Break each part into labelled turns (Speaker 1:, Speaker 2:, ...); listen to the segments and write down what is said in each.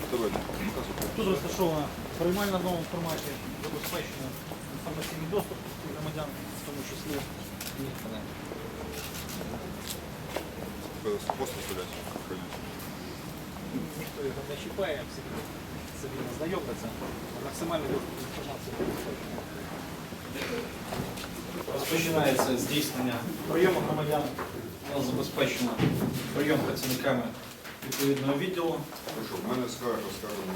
Speaker 1: Тут розташована приймальна в новому форматі, забезпечена інформаційний доступ громадян, в тому числі і
Speaker 2: Просто стрелять.
Speaker 1: ніхто його не чіпає, всі собі не знайомляться. Максимальний доступ до інформації забезпечений. Розпочинається здійснення прийому громадян. У нас забезпечено прийом працівниками відповідного відділу.
Speaker 2: Хорошо, в мене скарга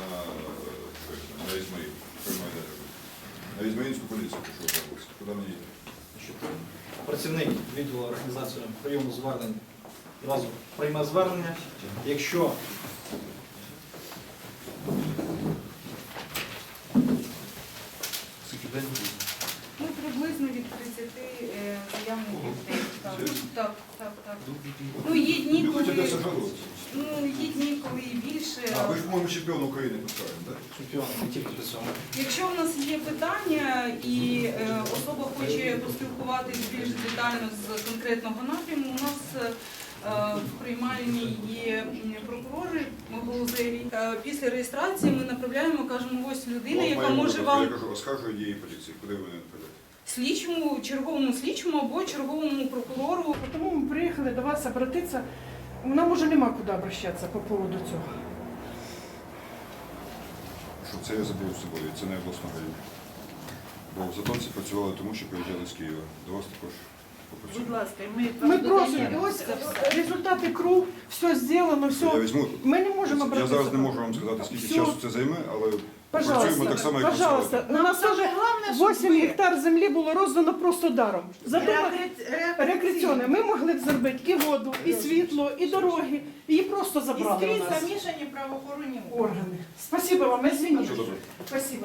Speaker 2: на Ізмаїл. На Ізмаїльську поліцію пішов забувся. Куди мені їхати?
Speaker 1: Працівник відділу організації прийому звернень одразу прийме звернення. Якщо
Speaker 3: Ну, приблизно від 30 заявників в день. Так. Ну, є дні,
Speaker 2: Ви хочете
Speaker 3: коли,
Speaker 2: сажалуватися?
Speaker 3: є дні, коли і більше.
Speaker 2: А, ви ж, по-моєму, чемпіон України поставили, так?
Speaker 1: чемпіон не тільки до цього.
Speaker 3: Якщо в нас є питання і особа хоче поспілкуватись більш детально з конкретного напряму, у нас в приймальні є прокурори Голузеві. Після реєстрації ми направляємо, кажемо, ось людина, яка може вам...
Speaker 2: Я кажу, оскаржую дії поліції. Куди ви не відправляєте?
Speaker 3: Слідчому, черговому слідчому або черговому прокурору.
Speaker 4: Тому ми приїхали до вас обратитися. Нам уже нема куди обращатися по поводу цього.
Speaker 2: Що це я забув з собою, це не обласна район. Бо в Затонці працювали тому, що приїжджали з Києва. До вас також попрацювали.
Speaker 5: Будь ласка,
Speaker 4: Ми просимо, ось результати КРУ, все зроблено,
Speaker 2: Я
Speaker 4: все.
Speaker 2: візьму.
Speaker 4: Ми не можемо
Speaker 2: Я
Speaker 4: обратитися.
Speaker 2: зараз не можу вам сказати, скільки
Speaker 4: Все.
Speaker 2: часу це займе, але працюємо
Speaker 4: Пожалуйста,
Speaker 2: так само, як
Speaker 4: пожалуйста.
Speaker 2: працювали.
Speaker 4: У нас вже 8 гектар землі було роздано просто даром. Зато рекреаційне. Ми могли б зробити і воду, і світло, і дороги. Її просто
Speaker 5: І
Speaker 4: забрали у
Speaker 5: скрізь
Speaker 4: нас.
Speaker 5: замішані правоохоронні
Speaker 4: Органи. Спасибо вам, извините.
Speaker 2: Все добре.
Speaker 4: Спасибо.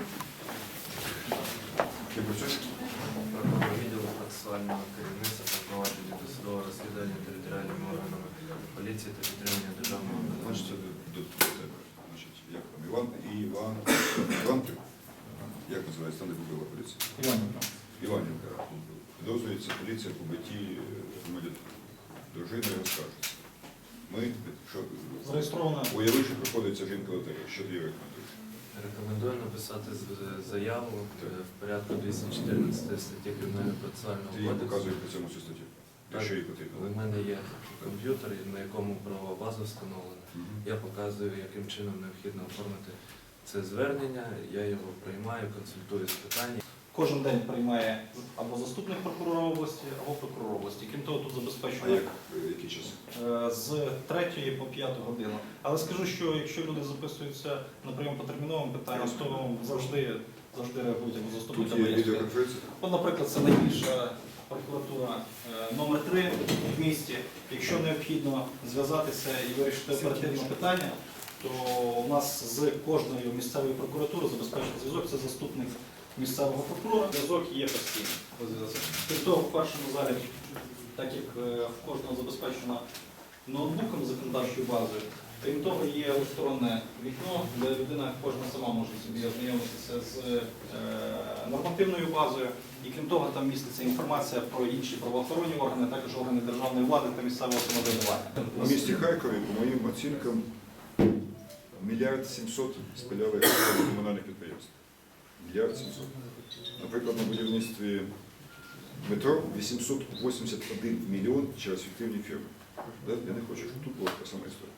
Speaker 2: Ти працюєш?
Speaker 6: Прокурор відділу процесуального керівництва та провадження досудового розслідування територіальними органами поліції та підтримання державного
Speaker 2: Значить,
Speaker 6: виконавчого.
Speaker 2: це до тебе. Значить, як там, Іван Трюк? Як називається, там, де побила поліція? Іванівка. Підозрюється поліція по биті дружини розкажеться. Ми, що,
Speaker 1: Зареєстровано.
Speaker 2: уяви, що приходиться жінка лотерея. Що ти рекомендуєш?
Speaker 6: Рекомендую написати заяву в порядку 214 статті Кримінального процесуального
Speaker 2: Ти їй
Speaker 6: кодексу.
Speaker 2: показуєш по цьому цю статтю. Якщо їй
Speaker 6: У
Speaker 2: потрібно.
Speaker 6: мене є комп'ютер, на якому правова база встановлена.
Speaker 2: Мгм.
Speaker 6: Я показую, яким чином необхідно оформити це звернення. Я його приймаю, консультую з питань.
Speaker 1: Кожен день приймає або заступник прокурора області, або прокурор області. Крім того, тут
Speaker 2: А
Speaker 1: забезпечено
Speaker 2: який час?
Speaker 1: з 3 по 5 годину. Але скажу, що якщо люди записуються на прийом по терміновим питанням, то завжди реагують або заступник.
Speaker 2: Тут
Speaker 1: або
Speaker 2: є
Speaker 1: я.
Speaker 2: відеоконференція.
Speaker 1: От, наприклад, це найбільша прокуратура номер 3 в місті. Якщо необхідно зв'язатися і вирішити оперативне питання, то у нас з кожною місцевою прокуратурою забезпечений зв'язок. Це заступник місцевого прокурора. Зв'язок є постійний. Крім того, в першому залі, так як в кожного забезпечено ноутбуком з законодавчою базою, крім того, є електронне вікно, де людина кожна сама може собі ознайомитися з нормативною базою. І крім того, там міститься інформація про інші правоохоронні органи, також органи державної влади та місцевого самоврядування.
Speaker 2: У місті Харкові, по моїм оцінкам, 1 700 000 спиляли комунальних підприємств. 1 700 000. Наприклад, на будівництві метро 881 мільйон через фіктивні фірми. Я не хочу, щоб тут була така сама історія.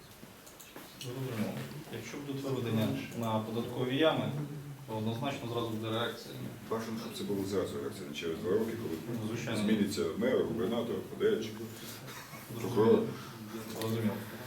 Speaker 1: Якщо будуть виведення на податкові ями, то однозначно зразу буде реакція.
Speaker 2: Бажано, щоб це було зразу реакція, не через 2 роки, коли
Speaker 1: Звичайно.
Speaker 2: зміниться мер, губернатор, подаячик, прокурор.
Speaker 1: Розуміло.